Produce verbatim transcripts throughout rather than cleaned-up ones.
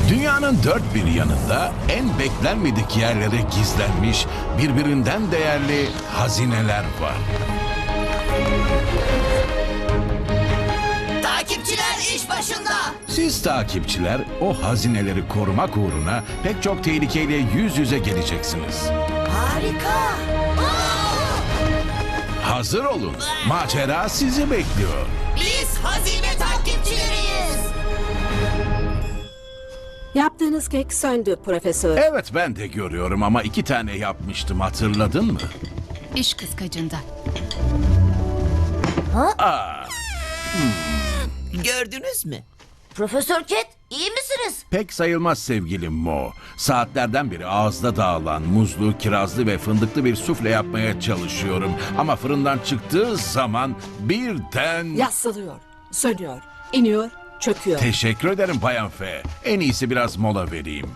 Dünyanın dört bir yanında en beklenmedik yerlere gizlenmiş birbirinden değerli hazineler var. Takipçiler iş başında. Siz takipçiler o hazineleri korumak uğruna pek çok tehlikeyle yüz yüze geleceksiniz. Harika. Hazır olun. Macera sizi bekliyor. Biz hazine takipçileriyiz. Yaptığınız kek söndü profesör. Evet, ben de görüyorum ama iki tane yapmıştım, hatırladın mı? İş kıskacında. Gördünüz mü? Profesör Ket, iyi misiniz? Pek sayılmaz sevgilim Mo. Saatlerden beri ağızda dağılan muzlu, kirazlı ve fındıklı bir sufle yapmaya çalışıyorum. Ama fırından çıktığı zaman birden... Yassılıyor, sönüyor, iniyor, çöküyor. Teşekkür ederim Bayan F. En iyisi biraz mola vereyim.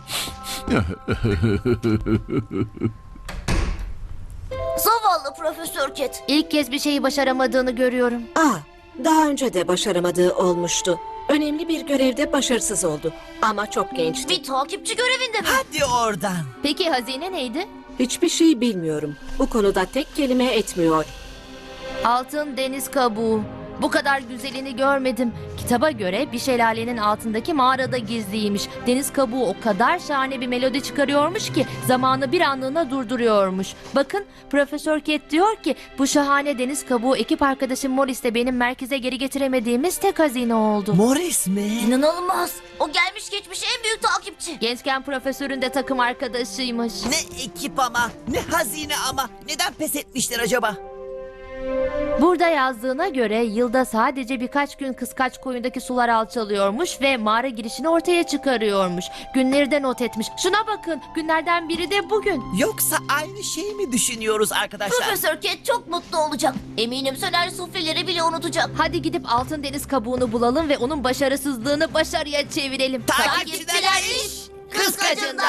Zavallı Profesör Ket. İlk kez bir şeyi başaramadığını görüyorum. Aa, daha önce de başaramadığı olmuştu. Önemli bir görevde başarısız oldu. Ama çok gençti. Bir takipçi görevinde mi? Hadi oradan. Peki hazine neydi? Hiçbir şey bilmiyorum. Bu konuda tek kelime etmiyor. Altın deniz kabuğu. Bu kadar güzelini görmedim. Kitaba göre bir şelalenin altındaki mağarada gizliymiş. Deniz kabuğu o kadar şahane bir melodi çıkarıyormuş ki zamanı bir anlığına durduruyormuş. Bakın Profesör Ket diyor ki bu şahane deniz kabuğu ekip arkadaşım Morris'le benim merkeze geri getiremediğimiz tek hazine oldu. Morris mi? İnanılmaz. O gelmiş geçmiş en büyük takipçi. Gençken profesörün de takım arkadaşıymış. Ne ekip ama, ne hazine ama. Neden pes etmişler acaba? Burada yazdığına göre yılda sadece birkaç gün kıskaç koyundaki sular alçalıyormuş ve mağara girişini ortaya çıkarıyormuş. Günleri de not etmiş. Şuna bakın, günlerden biri de bugün. Yoksa aynı şeyi mi düşünüyoruz arkadaşlar? Profesör Ket çok mutlu olacak. Eminim söner sufleleri bile unutacak. Hadi gidip altın deniz kabuğunu bulalım ve onun başarısızlığını başarıya çevirelim. Takipçiler iş Kıskacında.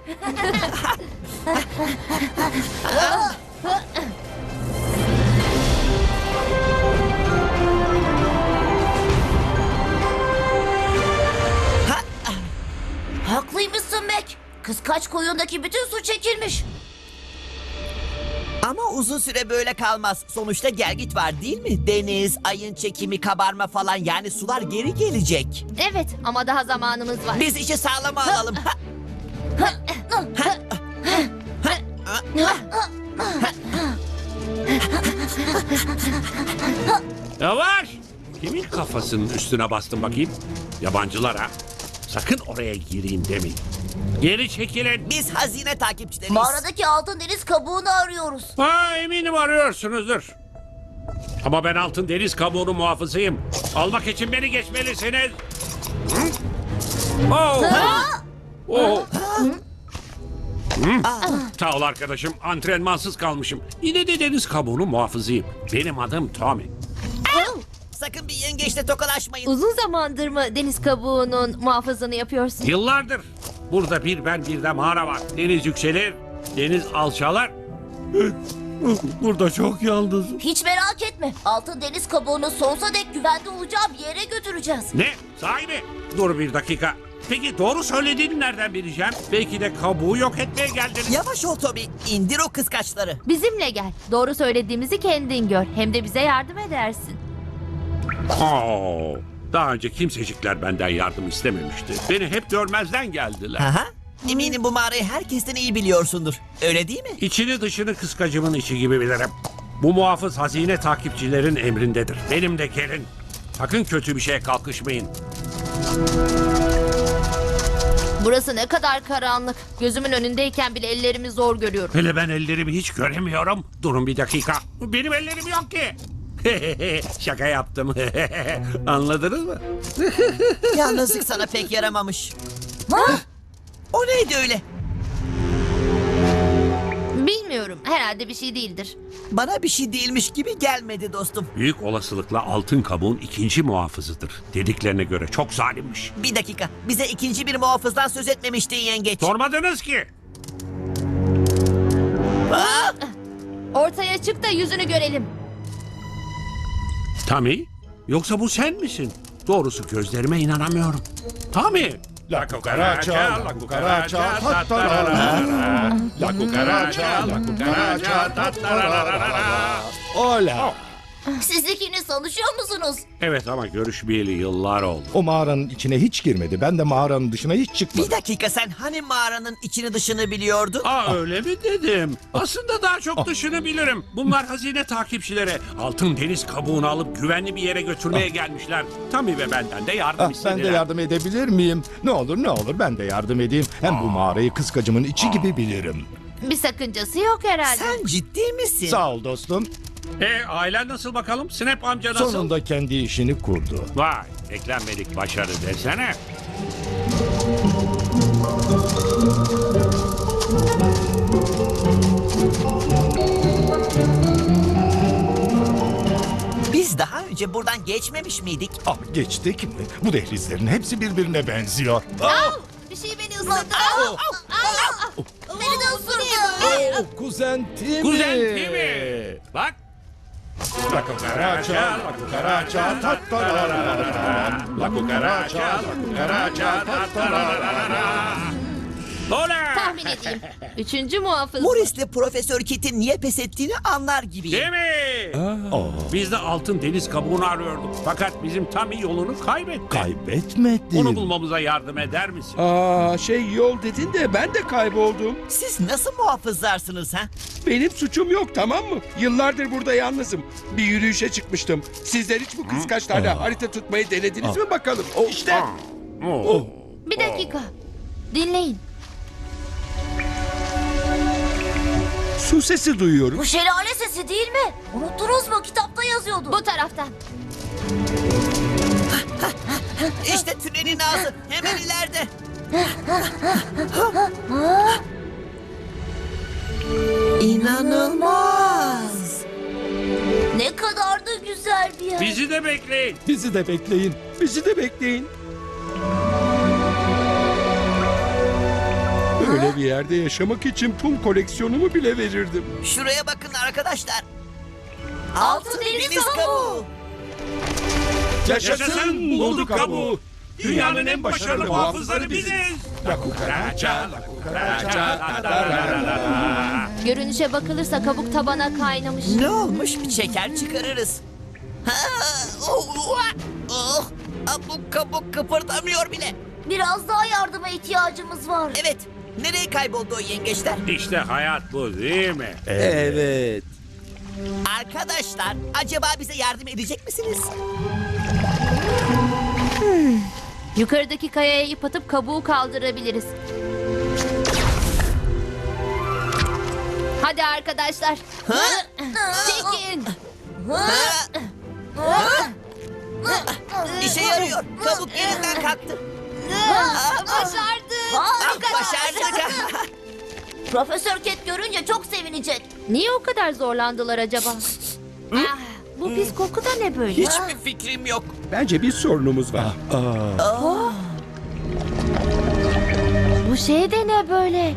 Haklıymışsın Mac. Kıskaç koyundaki bütün su çekilmiş. Ama uzun süre böyle kalmaz. Sonuçta gelgit var değil mi? Deniz, ayın çekimi, kabarma falan, yani sular geri gelecek. Evet ama daha zamanımız var. Biz işi sağlama alalım. Ha, Yavaş! Kimin kafasının üstüne bastın bakayım? Yabancılar ha? Sakın oraya gireyim demeyin. Geri çekilin. Biz hazine takipçileriyiz. Mağaradaki altın deniz kabuğunu arıyoruz. Ha, eminim arıyorsunuzdur. Ama ben altın deniz kabuğunu muhafızıyım. Almak için beni geçmelisiniz. Hı? Oh. Oh. Hı? Sağ ol arkadaşım. Antrenmansız kalmışım. Yine de deniz kabuğunu muhafızıyım. Benim adım Tommy. Sakın bir yengeçle tokalaşmayın. Uzun zamandır mı deniz kabuğunun muhafızını yapıyorsun? Yıllardır. Burada bir ben bir de mağara var. Deniz yükselir, deniz alçalar. Burada çok yalnızım. Hiç merak etme. Altın deniz kabuğunu sonsuza dek güvende olacağı bir yere götüreceğiz. Ne? Sahi mi? Dur bir dakika. Peki doğru söylediğini nereden bileceğim? Belki de kabuğu yok etmeye geldiniz. Yavaş ol Toby. İndir o kıskaçları. Bizimle gel. Doğru söylediğimizi kendin gör. Hem de bize yardım edersin. Oo, daha önce kimsecikler benden yardım istememişti. Beni hep görmezden geldiler. Aha. Eminim bu mağarayı herkesten iyi biliyorsundur. Öyle değil mi? İçini dışını kıskacımın içi gibi bilirim. Bu muhafız hazine takipçilerin emrindedir. Benim de gelin. Sakın kötü bir şeye kalkışmayın. Burası ne kadar karanlık. Gözümün önündeyken bile ellerimi zor görüyorum. Hele ben ellerimi hiç göremiyorum. Durun bir dakika. Benim ellerim yok ki. Şaka yaptım. Anladınız mı? Yalnızlık sana pek yaramamış. Ha? O neydi öyle? Bilmiyorum. Herhalde bir şey değildir. Bana bir şey değilmiş gibi gelmedi dostum. Büyük olasılıkla altın kabuğun ikinci muhafızıdır. Dediklerine göre çok zalimmiş. Bir dakika. Bize ikinci bir muhafızdan söz etmemiştin yengeç. Sormadınız ki. Aa! Ortaya çık da yüzünü görelim. Tommy, yoksa bu sen misin? Doğrusu gözlerime inanamıyorum. Tommy, La cucaracha, la cucaracha, ta ta ra ra ra. La cucaracha, la cucaracha, ta ta ra ra ra. Ola. Siz ikiniz tanışıyor musunuz? Evet ama görüşmeyeli yıllar oldu. O mağaranın içine hiç girmedi. Ben de mağaranın dışına hiç Bir çıkmadım. dakika, sen hani mağaranın içini dışını biliyordun? Aa öyle mi dedim? Aslında daha çok dışını bilirim. Bunlar hazine takipçileri. Altın deniz kabuğunu alıp güvenli bir yere götürmeye gelmişler. Tommy ve benden de yardım Ah, ben istediler. de yardım edebilir miyim? Ne olur ne olur ben de yardım edeyim. Hem bu mağarayı kıskacımın içi gibi bilirim. Bir sakıncası yok herhalde. Sen ciddi misin? Sağ ol dostum. E ailen nasıl bakalım? Snap amca nasıl? Sonunda kendi işini kurdu. Vay, beklenmedik başarı desene. Biz daha önce buradan geçmemiş miydik? Ah, geçtik mi? Bu dehlizlerin hepsi birbirine benziyor. Bir şey beni ısırdı. Beni de ısırdı. Oh, kuzen Timi. Kuzen Timi. Bak. La cucaracha, la cucaracha, ta ta ra ra ra. La cucaracha, la cucaracha, ta ta ra ra ra. Ola! Tahmin edeyim. Üçüncü muhafız. Morris'le Profesör Kit'in niye pes ettiğini anlar gibiyim. Değil mi? Oh, Biz de altın deniz kabuğunu arıyorduk. Fakat bizim Tommy yolunu kaybetti. kaybetmedin. Onu bulmamıza yardım eder misin? Aa şey yol dedin de ben de kayboldum. Siz nasıl muhafızlarsınız ha? Benim suçum yok, tamam mı? Yıllardır burada yalnızım. Bir yürüyüşe çıkmıştım. Sizler hiç bu kıskaçlarla harita tutmayı denediniz mi bakalım? İşte. Oh. Bir dakika. Dinleyin. Su sesi duyuyorum. Bu şelale sesi değil mi? Unuttunuz mu? Kitapta yazıyordu. Bu taraftan. İşte tünelin ağzı hemen ileride. İnanılmaz. Ne kadar da güzel bir yer. Bizi de bekleyin. Bizi de bekleyin. Bizi de bekleyin. Böyle bir yerde yaşamak için tüm koleksiyonumu bile verirdim. Şuraya bakın arkadaşlar. Altın deniz kabuğu. Yaşasın bulduk kabuğu. Dünyanın en başarılı muhafızları biziz. La cucaracha, la cucaracha, ta ta ra ra ra. Görünüşe bakılırsa kabuk tabana kaynamış. Ne olmuş? Şeker çıkarırız. Ha, oh, oh, ah, bu kabuk kıpırdamıyor bile. Biraz daha yardıma ihtiyacımız var. Evet. Nereye kayboldu o yengeçler? İşte hayat bu değil mi? Evet. Arkadaşlar, acaba bize yardım edecek misiniz? Yukarıdaki kayaya ip atıp kabuğu kaldırabiliriz. Hadi arkadaşlar. Çekin. İşe yarıyor. Kabuk yerinden kalktı. Başardık. Ah, başardık. Profesör Cat görünce çok sevinecek. Niye o kadar zorlandılar acaba? Ah, bu pis koku da ne böyle? Hiçbir fikrim yok. Bence bir sorunumuz var. Bu şey de ne böyle?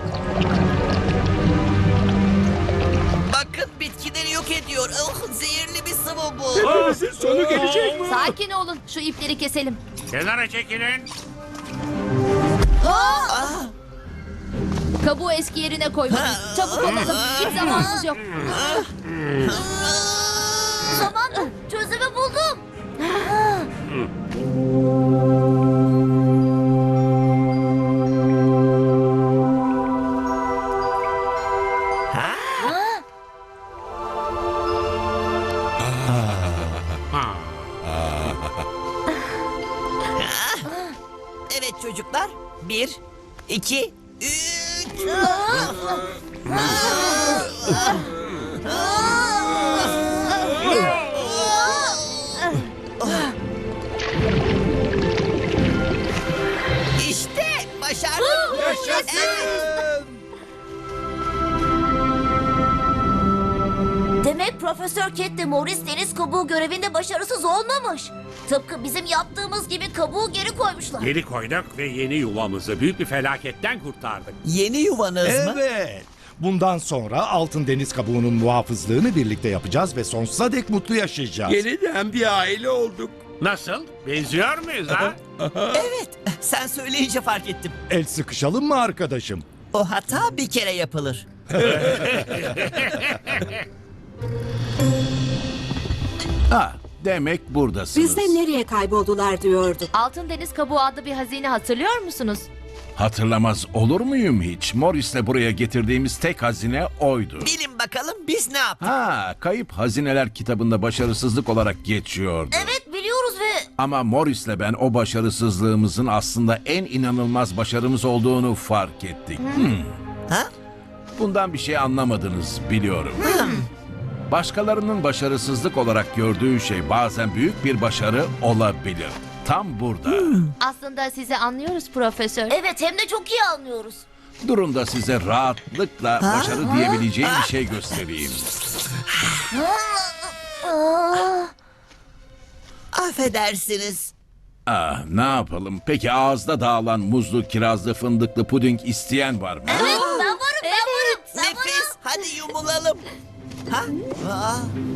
Bakın bitkileri yok ediyor. Oh, zehirli bir sıvı bu. Hepimizin sonu gelecek mi? Sakin olun. Şu ipleri keselim. Kenara çekilin. Kabuğu eski yerine koymalıyız. Çabuk olalım. Hiç zamanımız yok. Zamanla çözümü buldum. Evet çocuklar. Bir, iki, üç. İşte başardım. Yaşasın. Demek Profesör Cat de Morris deniz kabuğu görevinde başarısız olmamış. Tıpkı bizim yaptığımız gibi kabuğu geri koymuşlar. Geri koyduk ve yeni yuvamızı büyük bir felaketten kurtardık. Yeni yuvanız mı? Evet. Bundan sonra altın deniz kabuğunun muhafızlığını birlikte yapacağız ve sonsuza dek mutlu yaşayacağız. Yeniden bir aile olduk. Nasıl? Benziyor muyuz ha? Evet, sen söyleyince fark ettim. El sıkışalım mı arkadaşım? O hata bir kere yapılır. Ha, demek buradasınız. Biz de nereye kayboldular diyorduk. Altın deniz kabuğu adlı bir hazine hatırlıyor musunuz? Hatırlamaz olur muyum hiç? Morris'le buraya getirdiğimiz tek hazine oydu. Bilin bakalım biz ne yaptık? Ha, Kayıp Hazineler kitabında başarısızlık olarak geçiyordu. Evet biliyoruz ve Ama Morris'le ben o başarısızlığımızın aslında en inanılmaz başarımız olduğunu fark ettik. Hmm. Ha? Bundan bir şey anlamadınız biliyorum. Başkalarının başarısızlık olarak gördüğü şey bazen büyük bir başarı olabilir. Tam burada. Aslında sizi anlıyoruz profesör. evet hem de çok iyi anlıyoruz. Durun da size rahatlıkla başarı diyebileceğim bir şey göstereyim. Aa, Affedersiniz. Ah, ne yapalım? Peki ağızda dağılan muzlu, kirazlı, fındıklı puding isteyen var mı? evet ben varım ben varım. Ben varım. Nefis, hadi yumulalım. Ha? Aa.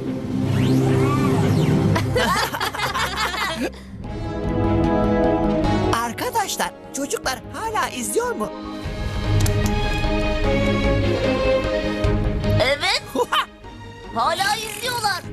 Arkadaşlar, çocuklar hala izliyor mu? Evet hala izliyorlar.